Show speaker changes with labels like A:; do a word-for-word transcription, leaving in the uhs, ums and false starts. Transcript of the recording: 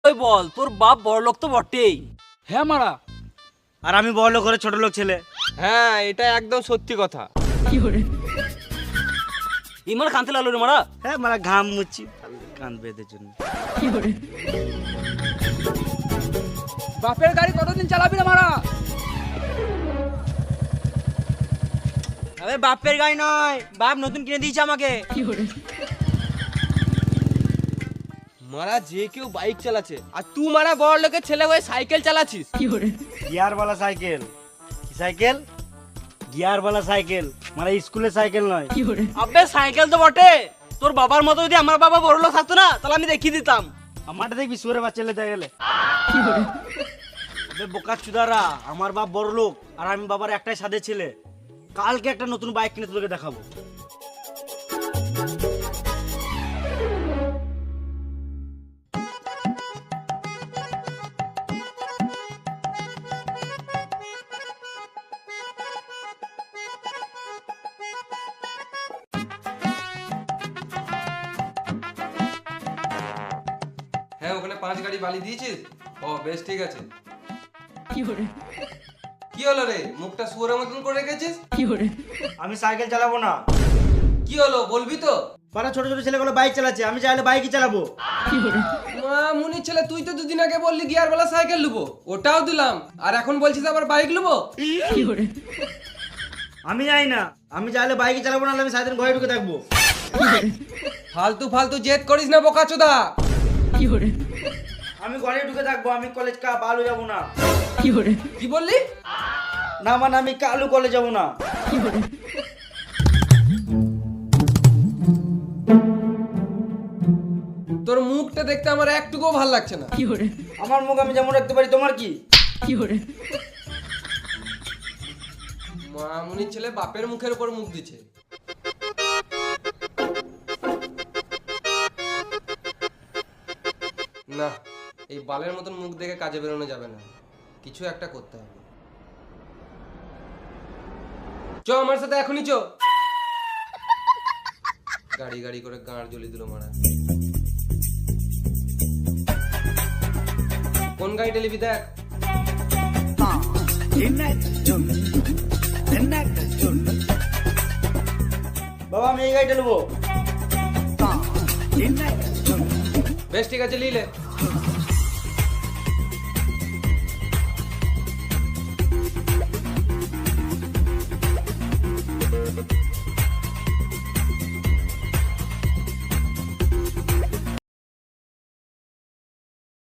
A: ওই বল, তোর বাপ বড় লোক তো বটেই।
B: হ্যাঁ মারা।
C: আর আমি বড় লোক করে ছোট লোক ছেলে।
D: হ্যাঁ, এটা একদম সত্যি কথা।
A: ইমার কানতে লাগলো রে মারা।
C: হ্যাঁ মারা, ঘাম মুচ্ছি কান বেঁধে জন্য।
B: বাপের গাড়ি কতদিন চালাবি না মারা?
A: আরে বাপের গাড়ি নয়, বাপ নতুন কিনে দিয়েছে আমাকে।
D: মারা যে কেউ বাইক চালাচ্ছে, আর তুই মারা বড় লোকের ছেলে হয়ে সাইকেল চালাচ্ছিস।
C: গিয়ারওয়ালা সাইকেল। কি সাইকেল? গিয়ারওয়ালা সাইকেল, মানে স্কুলের সাইকেল নয়।
A: আবে সাইকেল তো বটে, তোর বাবার মতো যদি আমার বাবা বড় লোক থাকতো না তাহলে আমি দেখিয়ে দিতাম।
C: আমারটা দেখবি সুরে বাচ্চা লেতে গেলে। আবে বোকা চুদারা, আমার বাপ বড় লোক আর আমি বাবার একটাই সাদে ছেলে। কালকে একটা নতুন বাইক কিনে তোকে দেখাবো।
D: হ্যাঁ, ওখানে পাঁচ গাড়ি বালি দিয়েছিস? ও বেশ, ঠিক আছে। কি হলো রে, মুখটা শুয়োরের মতন করে রেখেছিস?
C: আমি সাইকেল চালাবো না।
D: কি হলো বলবি তো?
C: পাড়া ছোট ছোট ছেলেগুলো বাইক চালাচ্ছে, আমি চাইলে বাইকই চালাবো।
D: মা মুনির ছেলে, তুই তো দুদিন আগে বললি গিয়ারওয়ালা সাইকেল নেবো, ওটাও দিলাম, আর এখন বলছিস আবার বাইক নেবো?
C: আমি যাই না, আমি চাইলে বাইকই চালাবো, না আমি সারাদিন ঘরে ঢুকে থাকবো।
D: ফালতু ফালতু জেদ করিস না বোকাচোদা।
C: আমি ঘরে ঢুকে থাকবো, আমি কলেজ কা বালু যাবো না।
D: কি বললি?
C: না মানে আমি কালু কলেজ যাবো না।
D: তোর মুখটা দেখতে আমার একটুকুও ভাল লাগছে না।
C: আমার মুখ আমি যেমন রাখতে পারি, তোমার কি?
D: মা মুনির ছেলে বাপের মুখের উপর মুখ দিচ্ছে। না, এই বালের মতন মুখ দেখে কাজে বেরোনো যাবে না, কিছু একটা করতে হবে। চ আমার সাথে এখনই চ। গাড়ি গাড়ি করে গাঁড় জ্বলি দিল মারা। কোন গাড়িটা নিবি দেখ।
C: বাবা আমি এই গাড়িটা নেবো।
D: বেশ ঠিক আছে, লিলে।